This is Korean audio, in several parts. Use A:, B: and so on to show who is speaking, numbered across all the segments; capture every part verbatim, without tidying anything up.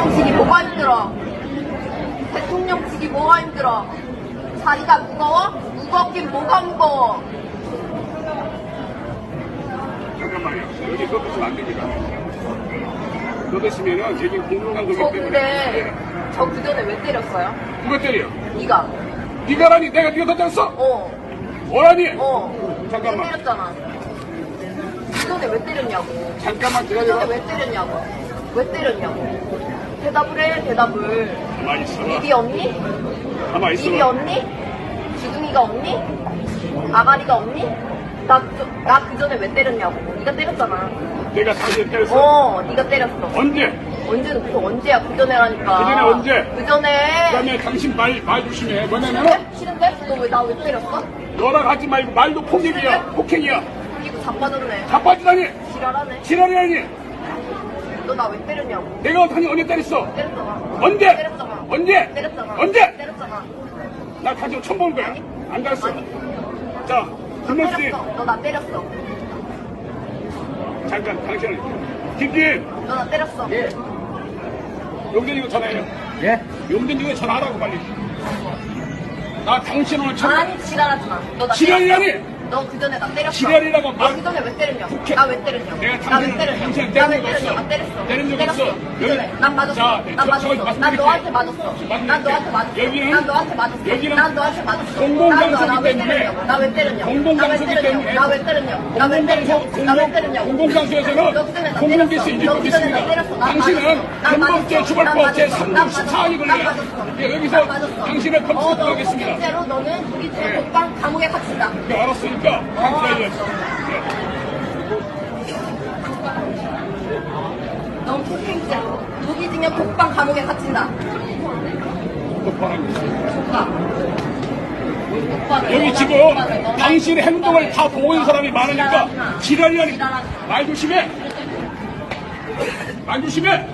A: 대통령직이 뭐가 힘들어? 대통령직이 뭐가 힘들어? 자리가 무거워? 무겁긴 뭐가 무거워?
B: 잠깐만요. 여기 그것 있으면 안 됩니다. 그것 있으면은 여기 공공강도기
A: 저
B: 때문에.
A: 근데 저 그전에 왜 때렸어요?
B: 누가 때려?
A: 네가.
B: 네가라니 내가 네가 더 때렸어?
A: 어.
B: 뭐라니?
A: 어.
B: 잠깐만.
A: 왜 때렸잖아. 그전에 왜 때렸냐고.
B: 잠깐만
A: 그전에
B: 기다려봐.
A: 왜 때렸냐고. 왜 때렸냐고. 대답을 해, 대답을.
B: 가만히 있어봐.
A: 입이 없니?
B: 가만히
A: 입이
B: 있어봐.
A: 없니? 주둥이가 없니? 아가리가 없니? 나, 그, 나 그전에 왜 때렸냐고. 네가 때렸잖아.
B: 내가 당신 때렸어?
A: 어, 네가 때렸어.
B: 언제?
A: 언제는 그 언제야? 그전에라니까.
B: 그전에 언제?
A: 그전에.
B: 그다음에 당신 말, 말 조심해. 뭐냐면은
A: 싫은데? 너 왜 나 왜 때렸어?
B: 너랑 하지 말고 말도 폭력이야. 폭행이야.
A: 이거 자빠졌네.
B: 자빠지다니.
A: 지랄하네.
B: 지랄이라니.
A: 너 나 왜 때렸냐고.
B: 내가 당신 언제 때렸어?
A: 때렸잖아.
B: 언제?
A: 때렸잖아.
B: 언제?
A: 때렸잖아.
B: 언제?
A: 때렸잖아.
B: 나 당신 처음 보는 거야.
A: 아니.
B: 안 갔어.
A: 아니.
B: 자,
A: 너
B: 김명씨.
A: 때렸어. 너 나 때렸어.
B: 잠깐, 당신은. 김진,
A: 너 나 때렸어.
B: 예. 용진이고 전화해요.
C: 예?
B: 용진이고 전화하라고 빨리. 나 당신 오늘 처음.
A: 아니 지랄하지 마. 너 나
B: 지랄이라니!
A: 너 그전에 나 때렸어.
B: 지랄이라고
A: 너
B: 말-
A: 그전에 왜 때렸냐고.
B: 국회-
A: 나 왜 때렸냐고.
B: 내가
A: 나 왜
B: 당신을-
A: 때렸냐고.
B: 당신을
A: 나 왜
B: 때린 적
A: 때렸냐고.
B: 없어.
A: 나 때렸어.
B: 때린 적
A: 때렸어.
B: 없어.
A: 그전에
B: 여기-
A: 난 맞았어.
B: 자,
A: 난
B: 저-
A: 맞았어.
B: 저기
A: 난
B: 말씀드릴게요.
A: 너한테 맞았어.
B: 맞습니다.
A: 난 너한테 맞았어.
B: 여기는
A: 난 너한테 맞았어.
B: 여기는
A: 난 너한테 맞았어.
B: 공공장소이기
A: 난 너- 나왜
B: 때문에
A: 때렸냐고. 나 왜 때렸냐고.
B: 공공장소이기
A: 나 왜 때렸냐고.
B: 때문에
A: 나 왜 때렸냐고. 나 왜 때렸냐고. 나 왜 때렸냐고.
B: 공공장소에서는
A: 너 그전에 나
B: 공공기수
A: 때렸어.
B: 인증법이
A: 너 그전에 나
B: 있습니다.
A: 때렸어. 난
B: 당신은
A: 맞았어. 난
B: 헌법제
A: 맞았어.
B: 주벌법
A: 난
B: 제
A: 맞았어.
B: 삼
A: 난
B: 부 십사항이
A: 맞았어.
B: 걸려요.
A: 난 맞았어.
B: 예, 여기서
A: 난 맞았어.
B: 당신을
A: 어,
B: 검찰에
A: 너
B: 들어가겠습니다.
A: 실제로 너는 무기징역
B: 예.
A: 독방 감옥에 갇힌다.
B: 네, 알았으니까 당신이 알려줘.
A: 넌 폭행죄. 무기징역 독방 감옥에 갇힌다.
B: 여기 지금 당신의 행동을 다 보고 있는 사람이 많으니까 지랄이라니. 말 조심해. 말 조심해.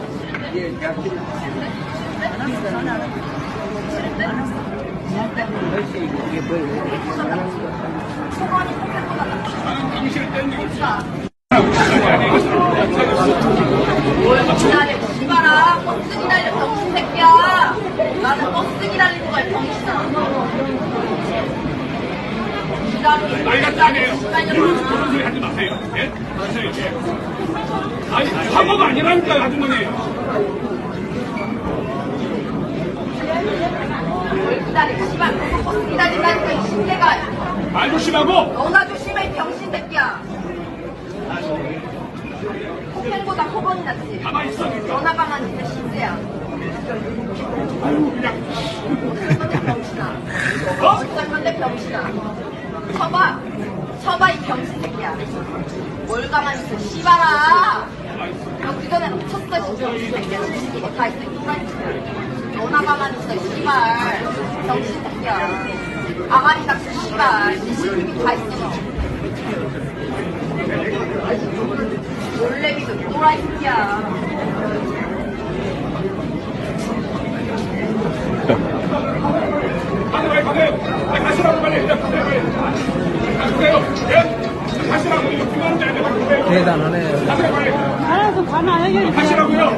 B: 나는 당신을 때린 적 없어.
A: 뭘 기다려, 씨발아. 버스 기다려, 병신 새끼야. 나는 버스 기다리는 거야, 병신아. 기다리는
B: 나이 같지 아니에요.
A: 기다려.
B: 이런 그런 소리 하지 마세요. 예? 하세요, 예. 아니, 사고가 아니라니까요, 아주머니.
A: 뭘 기다려, 씨발. 버스 기다린다니까, 이 신대가.
B: 말 조심하고.
A: 너나 조심해, 이 병신 새끼야. 폭행보다 폭언이 낫지.
B: 가만히 있어.
A: 전화가 많으니까 신세야.
B: 아유, 그냥.
A: 어쩔 병신아.
B: 어?
A: 어쩔 건데 병신아. 쳐봐. 쳐봐, 이 병신 새끼야. 뭘 가만히 있어, 씨발아. 너 그전에 쳤어, 이 병신 새끼야. 이거 다 있어, 이거 다 있어. 너나 가만히 있어, 씨발. 병신 새끼야. 아가리 닥쳐, 씨발. 씨집이 다 있어. 놀래미도 또라이 새끼야.
B: 가세요, 빨리 가세요. 빨리 가시라고, 빨리. 예, 가세요, 빨리. 가세요. 예? 가시라고. 이거 중요한 데 아니에요. 빨리 가세요.
C: 대단하네.
B: 가세요, 빨리.
D: 알아서 가나 해결해.
B: 가시라고요.